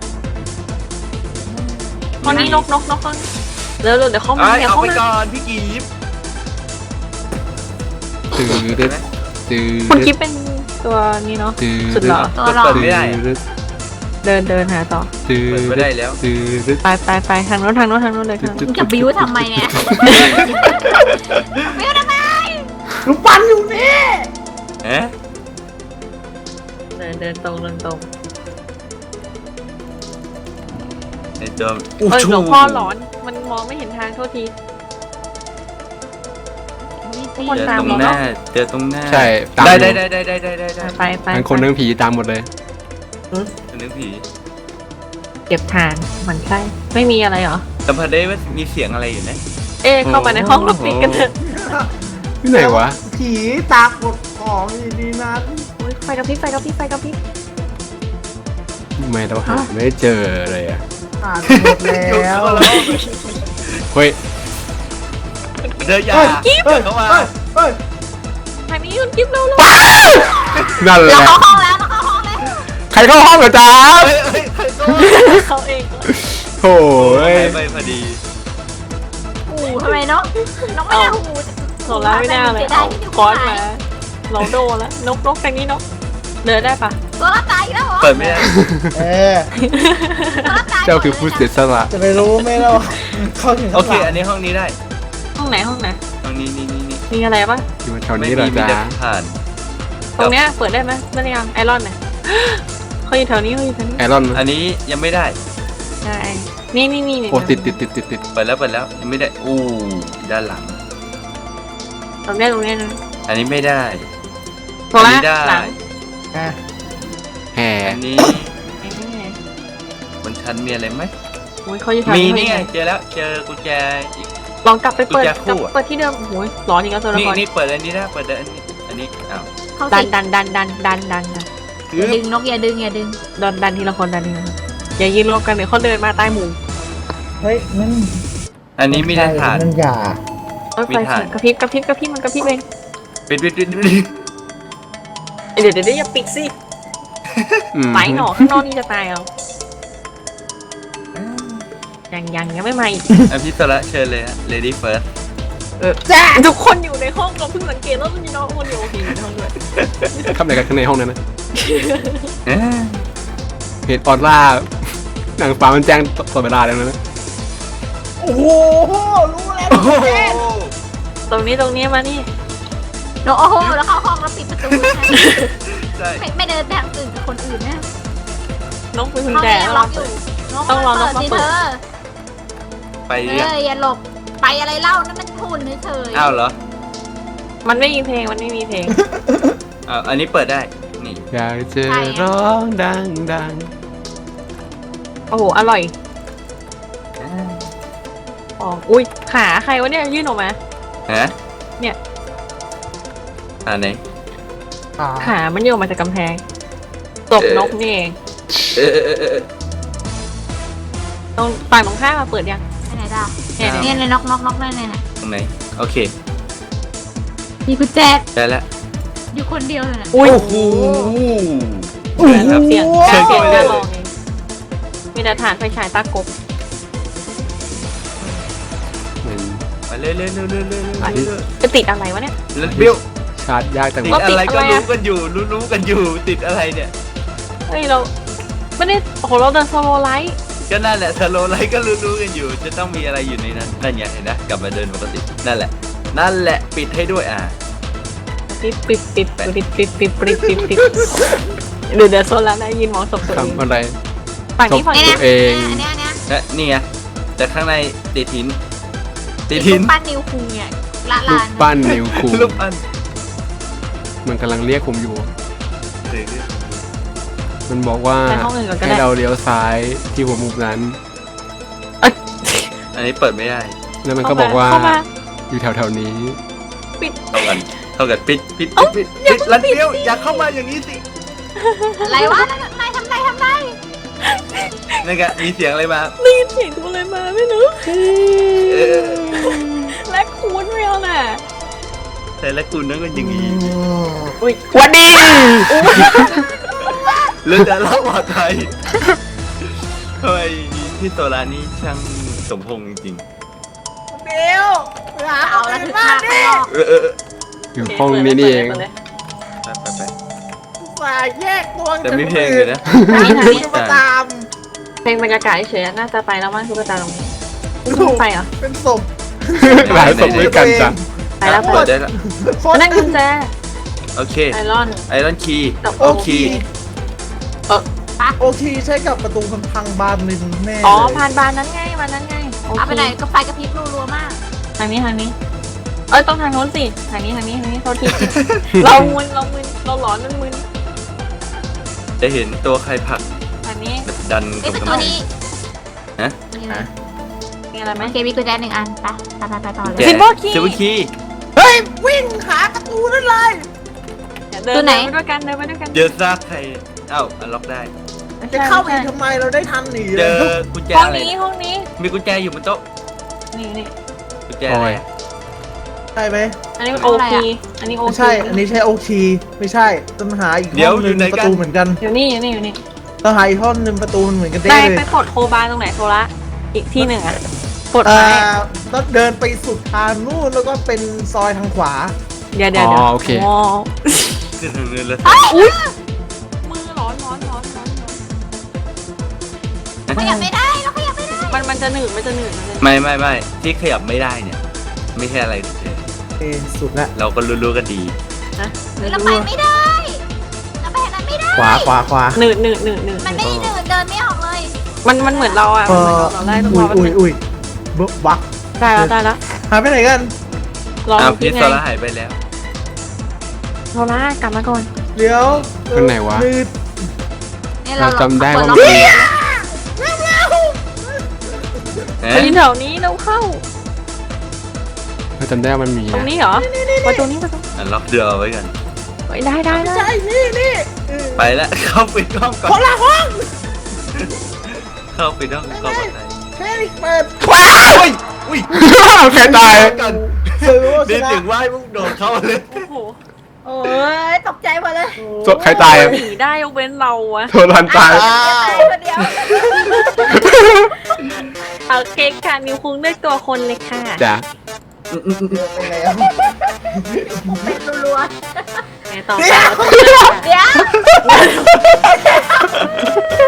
Speaker 3: ห้องนี้นกนกนกห้องนี้เร็วเร็วเดี๋ยวเข้ามา
Speaker 5: เอ้ย
Speaker 3: เดี๋ยว
Speaker 5: เอา
Speaker 3: เข้า
Speaker 5: ไป
Speaker 3: มา
Speaker 5: ก่อนพี่กีบ
Speaker 1: ตื่นดึดตื่น
Speaker 3: คุณ
Speaker 1: ดึ
Speaker 3: กิ๊
Speaker 1: ด
Speaker 3: บเป็นตัวนี้เนาะ
Speaker 1: ตื่น
Speaker 3: สุดหล่อ
Speaker 4: ตัวหลอก
Speaker 5: เปิดไม่ได้
Speaker 1: ดึด
Speaker 3: เดินเดินหาต่อ
Speaker 1: ตื่
Speaker 5: เปิด
Speaker 1: น
Speaker 5: ไม่ได้แล้ว
Speaker 1: ตื่นดึด
Speaker 3: ไปไปไปทางโน้นทางโน้นทางโน้นเลยทางโน้น
Speaker 4: มึงจะบิ้วทำไมเนี่ยบิ้วทำไม
Speaker 6: ลูกปั้นอยู่นี่
Speaker 5: เอ๊ะ
Speaker 3: เดินเดินตรงเดินตรง
Speaker 5: ไอตัวอู้
Speaker 3: เออ
Speaker 5: ชู
Speaker 3: หลวงพ่อหลอนมันมองไม่เห็นทางโทษที ทุกคน
Speaker 5: เจอ
Speaker 3: ตาม
Speaker 5: ตรง
Speaker 3: เรา
Speaker 5: ห
Speaker 3: เน
Speaker 5: น้า
Speaker 3: อะ
Speaker 5: เจอตรงหน้า
Speaker 1: ใช่ตาม
Speaker 5: ได้
Speaker 1: อยู่
Speaker 5: ได้ได้ได้ได้ได้ได้
Speaker 3: ไปไป
Speaker 1: ทั้งคนทั้งผีตามหมดเลย
Speaker 5: เป็นเรื่องผี
Speaker 3: เก็บทานหมันใช่ไม่มีอะไรเหรอ
Speaker 5: สัมผัสได้ว่ามีเสียงอะไรอยู่นะ
Speaker 3: เอ๊ะเข้าไปในห้องเราปิดกันเถอะ
Speaker 1: ที่ไหนวะ
Speaker 6: ผีตากดของดีๆนะ
Speaker 3: อุ๊ยไฟกระพริบไฟกระพริบไฟกระพริบ
Speaker 1: ทำไมเราหาไม่เจอเลยอ่ะ
Speaker 6: อ่านหมดแล้ว
Speaker 1: เฮ้ย
Speaker 5: เดินยา
Speaker 6: เฮ้ย
Speaker 5: เดินเข้ามา
Speaker 6: เฮ้ยเฮ้ย
Speaker 3: ทางนี้คุณกิ๊บเร็วเร็ว
Speaker 1: นั่นแห
Speaker 4: เรา
Speaker 1: ละ
Speaker 4: เข้าห้องแล้วเราเข้าห้องแล้ว
Speaker 1: ใครเข้าห้องเหรอจ๊ะ
Speaker 5: เฮ้ยเฮ้ยใครก็
Speaker 3: เขาเอง
Speaker 1: โอ้ย
Speaker 5: ไปพอดี
Speaker 4: หูทำไมนกนกไม่ได้หู
Speaker 3: โซล่าไม่น่าเลยเอาคอนมาเราโดนแล้วนกนกทางนี้นกเดินได้ปะ
Speaker 4: ตัวละตายอีกแล้วเหรอ
Speaker 5: เปิดไม่ได้
Speaker 6: เออ
Speaker 4: ตัวละตาย
Speaker 1: เจ้าคือผู้เสียสละ
Speaker 6: จะไปรู้ไหมเราเข้าถึง
Speaker 5: โอเค อันนี้ห้องนี้ได้
Speaker 3: ห้องไหนห้องไหน
Speaker 5: ห้องนี้นี่นี่นี่
Speaker 3: มีอะไรปะ
Speaker 1: อยู่แถว
Speaker 5: ไม่
Speaker 1: นี้เหร
Speaker 5: มี
Speaker 1: อ
Speaker 5: มี
Speaker 1: จ๊ะ
Speaker 5: แต่ผ่าน
Speaker 3: ตรงเนี้ยเปิดได้ไหมได้หรือยังไอรอนเนี่ยเขาอยู่แถวนี้เขาอยู่แถวนี้
Speaker 1: ไอรอน
Speaker 5: อันนี้ยังไม่ได้
Speaker 3: ใช่นี่นี่นี่
Speaker 1: โอ้ติดติดติดติดติด
Speaker 5: เปิดแล้วเปิดแล้วยังไม่ได้อู้ด้านหลัง
Speaker 3: ตรงเนี้ยตรงเนี้ยนะ
Speaker 5: อันนี้ไม่ได้
Speaker 3: โซล่า
Speaker 5: อันนี้ได้
Speaker 3: หลัง
Speaker 6: อ่ะ
Speaker 1: แห่
Speaker 5: อันนี้บนชั้นมีอะไรไหม
Speaker 3: โอ้ยเขาอยู่แถว
Speaker 5: มี
Speaker 3: นี้
Speaker 5: นี่ไงเจอแล้วเจอกุญแจอีก
Speaker 3: ลองกลับไปเปิด
Speaker 5: กุญแจ
Speaker 3: ก
Speaker 5: คู่
Speaker 3: ลับ
Speaker 5: อะ
Speaker 3: เปิดที่เดิมโอ้ยร้อนอีกแล้วตัวละ
Speaker 5: นี่
Speaker 3: คร
Speaker 5: นี่เปิดอันนี้ได้เปิดอันนี้อันนี้อ้าว
Speaker 4: เข้า
Speaker 3: ดั
Speaker 4: สิ
Speaker 3: นดันดันดันดันดันดัน
Speaker 4: อย่าดึงนกอย่าดึงอย่าดึง
Speaker 3: ดันดันทีละคนดันทีละคนอย่ายืนรวมกันเดี๋ยวเขาเดินมาใต้หมู่
Speaker 6: เฮ้ยมัน
Speaker 5: อันนี้มีได้ฐาน
Speaker 6: มันอย่า
Speaker 3: เอ้ย
Speaker 5: มี
Speaker 3: ไฟ
Speaker 5: ถ่าน
Speaker 3: กระพริบกระพริบกระพริบมันกระพริบเอง
Speaker 5: ปิดปิดปิดปิด
Speaker 3: เดี๋ยวเดี๋ยวเดี๋ยวอย่าปิดสิ
Speaker 1: อืม
Speaker 3: ไปหนอข้างนอกนี่จะตายเอายังยังยังไม่มาอีก
Speaker 5: อ่ะพี่สระเชิญเลยฮะ lady first
Speaker 3: ทุกคนอยู่ในห้องเราเพิ่งสังเกตแล้วมันมีน้องคนอยู่โอเคอยู่ในห้องด้วย
Speaker 1: เข้าไปกันข้างในห้องนั้นนะ
Speaker 5: เอ๊ะ
Speaker 1: เหตุออร่าหนังฟ้ามันแจ้งตลอดเวลาแล้วนะ
Speaker 6: โอ้โหรู้แล้ว
Speaker 5: โอ้โห
Speaker 3: ตรงนี้ตรงนี้มานี่
Speaker 4: นกโอ้โหแล้วเข้าห้องแล้วปิดประตู
Speaker 5: ใช่
Speaker 4: ไม่ไม่เดินไปทางอื่นกับคนอื่นนะ
Speaker 3: น้องเป็นกุญ
Speaker 4: ห้อง
Speaker 3: แจ
Speaker 4: นี้ยัง
Speaker 3: แล้ว
Speaker 4: ล็อกอยู่นก
Speaker 3: ต้องรอ
Speaker 4: เปิด
Speaker 3: นก
Speaker 4: สิ
Speaker 3: มาเปิ
Speaker 4: เธ
Speaker 3: ด
Speaker 4: อ
Speaker 5: ไป
Speaker 4: เอ
Speaker 5: เรียก
Speaker 4: ออย่าหลบไปอะไรเล่านั่นมันทุนเฉยๆ
Speaker 5: อ้าวเหรอ
Speaker 3: มันไม่มีเพลงมันไม่มีเพลง
Speaker 5: อ้าวอันนี้เปิดได้ นี่
Speaker 1: อยากจะร้องดังดัง
Speaker 3: โอ้โหอร่อยอ๋ออุ้ยขาใครวะเนี่ยยื่นออกมา
Speaker 5: ฮะ
Speaker 3: เนี่ย
Speaker 5: อันไหน
Speaker 6: อ่า
Speaker 3: ขามันโยนมาจากกำแพงตบนกนี่เอง
Speaker 5: เออเออเออเออ
Speaker 3: ตรงฝั่งตรงข้ามมาเปิดยัง
Speaker 4: ไปไหนด่า
Speaker 3: เนี่ย
Speaker 5: อ้าว
Speaker 3: เนี่ย
Speaker 4: เนี่ยเลยน็อกน็อกน็อกเลยเนี่ย
Speaker 5: ตรงไหน โอเค
Speaker 4: มีกุญแจ
Speaker 5: ได้แล้ว
Speaker 4: อยู่คนเดียวเลยนะ
Speaker 3: อุ้ย
Speaker 5: โอ้โห
Speaker 3: ครับเสียง
Speaker 5: เชิญ
Speaker 3: เสียง
Speaker 5: เข้าไปเลย
Speaker 3: จะลองเองมีแต่ฐานไฟฉายตากบ
Speaker 1: เหมือน
Speaker 5: ไปเรื่อยเรื่อยเรื่อยเรื่อยเรื่อยเรื่อย
Speaker 3: จะติดอะไรวะเนี่ย
Speaker 5: แล้วบิ้ว
Speaker 1: ชาร์จยากจัง
Speaker 5: ติด
Speaker 1: วะ
Speaker 5: อะไรก็
Speaker 3: ติดอะไร
Speaker 5: รู้
Speaker 3: อะ
Speaker 5: กันอยู่ รู้รู้กันอยู่ ติดอะไรเนี่ย
Speaker 3: เฮ้ยเราไม่ได้โอ้โหเราเดินสโลไลท์
Speaker 5: ก็นั่นแหละสโลไลท์ก็รู้รู้กันอยู่ จะต้องมีอะไรอยู่ในนั้น นั่นไงเห็นนะ กลับมาเดินปกติ นั่นแหละ นั่นแหละ ปิดให้ด้วยอ่ะ
Speaker 3: ปิดปิดปิดปิดปิดปิดปิดปิดปิดเดี๋ยวเดี๋ยวโซนแล้วนะยินมองศพตัวเอง
Speaker 1: ทำอะไร
Speaker 3: ฝั่งนี้ฝั่ง
Speaker 4: เนี่ย
Speaker 3: นี้
Speaker 1: ตัวเอง
Speaker 4: อันเนี้ยอันเนี้ย
Speaker 5: และนี่ไง แต่ข้างในติดหิน ติด
Speaker 4: รู
Speaker 5: หิน
Speaker 4: ปปั้นนิวคุงเนี่ยละ
Speaker 1: ลู
Speaker 4: ลาก น
Speaker 1: ปั้นนิวคู
Speaker 5: ลูกอัน
Speaker 1: มันกำลังเรียกผมอยู่
Speaker 5: เรื่อยๆ
Speaker 1: มมันบอกว่า
Speaker 3: ไปห้องอื่นก่อนก็ได้
Speaker 1: ให้เราเลี้ยวซ้ายที่หัวมุมนั้น
Speaker 5: อันนี้เปิดไม่ได้
Speaker 1: แล้วมันก็บอกว่า
Speaker 3: เข้ามา
Speaker 1: อยู่แถวๆนี้
Speaker 5: เท่ากันเท่ากันปิดปิดปิดปิดปิดลันเดียวอย่าเข้ามาอย่างนี้สิ
Speaker 4: อะไรวะทำไรทำไรทำไร
Speaker 5: นั่นไงมีเสียงอะไรมา
Speaker 3: ได้ยินเสียงตัวอะไรมาไม่รู้
Speaker 5: เออ
Speaker 3: และคูณไม่เอาน่ะ
Speaker 5: แต่ละคุณนั่นก็อย่างนี้
Speaker 3: อุ้ยวันดี
Speaker 5: เรื่องแต่ละปลอดภัยทำไมพี่โซลานี่ช่างสมพงษ์จริง
Speaker 6: เดี๋ยวหา
Speaker 4: เอา
Speaker 6: เอา
Speaker 4: ละ
Speaker 6: ละ
Speaker 4: ถึ
Speaker 6: ถึ
Speaker 4: ง
Speaker 6: ง
Speaker 4: ห
Speaker 6: บ้า
Speaker 4: น้าน ข้าง
Speaker 6: นี่
Speaker 4: นอก
Speaker 5: ๆเออเออเออ
Speaker 1: อยู่ห้องนี้นี่เอง
Speaker 3: ปิดลย
Speaker 5: ไปไปไป
Speaker 6: สายแยกตัว
Speaker 5: แต่มีเพลงอยู่นะ
Speaker 6: จะมาตาม
Speaker 3: เพลงบรรยากาศเฉยๆน่าจะไปแล้วมั้งทุกตาตรงนี้ไม่ไปเหรอ
Speaker 6: เป็นศพ
Speaker 1: หลายศพด้วยกันจ้ะ
Speaker 3: ไปแล้ว
Speaker 5: เปิดได้ละ
Speaker 6: คน
Speaker 3: นั่นกุญแจ
Speaker 5: โอเค
Speaker 3: ไอรอน
Speaker 5: ไอรอนคีย์
Speaker 3: กับ
Speaker 6: โอ
Speaker 5: โอ
Speaker 6: เค
Speaker 5: เค
Speaker 6: โอเคใช้กับประตูพังๆบานหนึ่งแน่
Speaker 3: อ๋อ
Speaker 6: เลย
Speaker 3: ผ่านบานนั้นไงบานนั้นไงโอ
Speaker 4: เอา
Speaker 3: เค
Speaker 4: ไปไหนก็ไฟกระพริบรัวๆมาก
Speaker 3: ทางนี้ทางนี้ เอ้ยต้องทางโน้นสิทางนี้ทางนี้ทางนี้โทษที เรามึนเรามึนเราหลอนมันมึน
Speaker 5: จะเห็นตัวใครผลัก
Speaker 3: ทางนี้
Speaker 5: แบบดัน
Speaker 4: ไอ้
Speaker 5: ตรง
Speaker 4: ประ
Speaker 5: กำ
Speaker 4: ตู
Speaker 5: แพง
Speaker 4: นี้
Speaker 5: ฮะ
Speaker 4: นี่นะ
Speaker 3: มีอะไรไหม
Speaker 4: โอเคมีกุญแจหนึ่งอันไปไปไปไปต่อเล
Speaker 5: แก
Speaker 4: ย
Speaker 3: Silver key
Speaker 5: ซิลเวอร์คีย์
Speaker 6: เฮ้ยวิ่งหาประตูนั่นเลย
Speaker 3: เดิน
Speaker 4: ตัวไหน
Speaker 3: เดินไปด้วยกันเดินไปด้วยกัน
Speaker 5: เจอซากใครเอ้าอันล็อกได้
Speaker 3: ไม่
Speaker 6: จะ
Speaker 3: ใช่
Speaker 6: เข้าไป
Speaker 3: ไม่ใช่
Speaker 6: ทำไมเราได้ทันหนี
Speaker 5: เจ
Speaker 6: เล
Speaker 5: อย กุญแจ
Speaker 3: ห้อง
Speaker 5: อะไร
Speaker 3: นี้ห้องนี้
Speaker 5: มีกุญแจอยู่บนโต๊ะ
Speaker 3: นี่นี่
Speaker 5: กุญแจอะไร
Speaker 6: ใช่ไหม
Speaker 3: อันนี้มันโอคีอันนี้โอ
Speaker 6: ไม่
Speaker 3: คี
Speaker 6: ใช่ อันนี้ใช่โอคีไม่ใช่ต้องหาอีกห้องหนึ่งประตูเหมือนกัน
Speaker 3: อยู่นี่อยู่นี่อยู่นี่
Speaker 6: ต้องหาอีกห้องหนึ่งประตูเหมือนกันได้
Speaker 3: ได้
Speaker 6: เล
Speaker 3: ไป
Speaker 6: ย
Speaker 3: ปลดโคบาตรงไหนโซละอีกที่หนึ่งอ่ะปลด
Speaker 6: เอ่
Speaker 3: ไม้
Speaker 6: อต้องเดินไปสุดทางนู่นแล้วก็เป็นซอยทางขวา
Speaker 3: เดี๋ยวเดี๋ยว
Speaker 1: อ๋
Speaker 3: เดี๋ยว
Speaker 1: อโอเค
Speaker 3: อ๋อ
Speaker 5: ขึ้นทางเงินแล้ว
Speaker 3: มือร้อนร้อนร้อนร้อน
Speaker 4: ขยับไม่ได้เราขยับไม่ได้
Speaker 3: มันมันจะหนืดมันจะหนืดมันจะหนืด
Speaker 5: ไม่ไม่ไม่ที่ขยับไม่ได้เนี่ย ไม่ใช่อะไรเลย
Speaker 6: เอสุดละ
Speaker 5: เราก็รู้ๆกันดี
Speaker 3: นะ
Speaker 4: เราไปไม่ได้เราไปทางนั้นไม่ได้
Speaker 6: ขวาขวาขวา
Speaker 3: หนืดหนืดหนืดหนืด
Speaker 4: มันไม่ได้เดินเดินไม่ออกเลย
Speaker 3: มันมันเหมือนเราอ่ะ
Speaker 6: เอ
Speaker 3: มันเหมือน
Speaker 6: อ
Speaker 3: เราเราไล่ต้อง
Speaker 6: อุ้
Speaker 3: ร
Speaker 6: ย
Speaker 3: อ
Speaker 6: อุ้ยอุ้ยเบิกบัก
Speaker 3: ได้แล้วได้แล้ว
Speaker 6: หายไปไหนกัน
Speaker 3: รอ
Speaker 5: อ้าว
Speaker 3: คิ
Speaker 5: พี่
Speaker 3: ด
Speaker 5: โซ
Speaker 3: ไง
Speaker 5: ล่าหายไปแล้ว
Speaker 3: โซล่ากลับมาก่อน
Speaker 6: เดี๋ยว
Speaker 1: ข้างไหนวะ
Speaker 6: มืด
Speaker 4: เนี่ย
Speaker 1: เราจำได้ว่า
Speaker 4: เรา
Speaker 1: มันมี
Speaker 3: ไปยืนแถวนี้เราเข้า
Speaker 1: เราจำได้ว่ามันมี
Speaker 3: ตรง
Speaker 1: นะ
Speaker 3: นี้เหรอประตูนี้ประตู
Speaker 5: อันล็อกเดือเอาไว้กัน
Speaker 3: เฮ้ยได้ได้ได้
Speaker 6: ใช่นี่นี่เออ
Speaker 5: ไปแล้ว เข้าปิดห้องก่อ
Speaker 6: คน
Speaker 5: น
Speaker 6: ละห้อง
Speaker 5: เข้าปิดห้องเข้าปลอดภัย
Speaker 6: แค่นี้เปิด
Speaker 5: อุ้ยอุ้ย
Speaker 1: ใครตาย
Speaker 5: กัน
Speaker 6: ซื้อว่าช
Speaker 5: นี่
Speaker 6: นะ
Speaker 5: ถึงว่าให้พวกโดดเข้าเลย
Speaker 3: โอ้โห
Speaker 4: โอ้ยตกใจหมดเลย
Speaker 1: ศพใครตายอะ
Speaker 3: หนีได้ยกเว้นเราอะ
Speaker 1: โทรทันตาย
Speaker 6: อ้าว
Speaker 4: ตายคนเดียว
Speaker 3: เอาเค้กค่ะนิวคุงเลือกตัวคนเลยค่ะ
Speaker 1: จ้ะ
Speaker 6: ไปแล้ว
Speaker 4: เป็นรัว
Speaker 3: ไงต่อไป
Speaker 4: ๆเดี๋ยว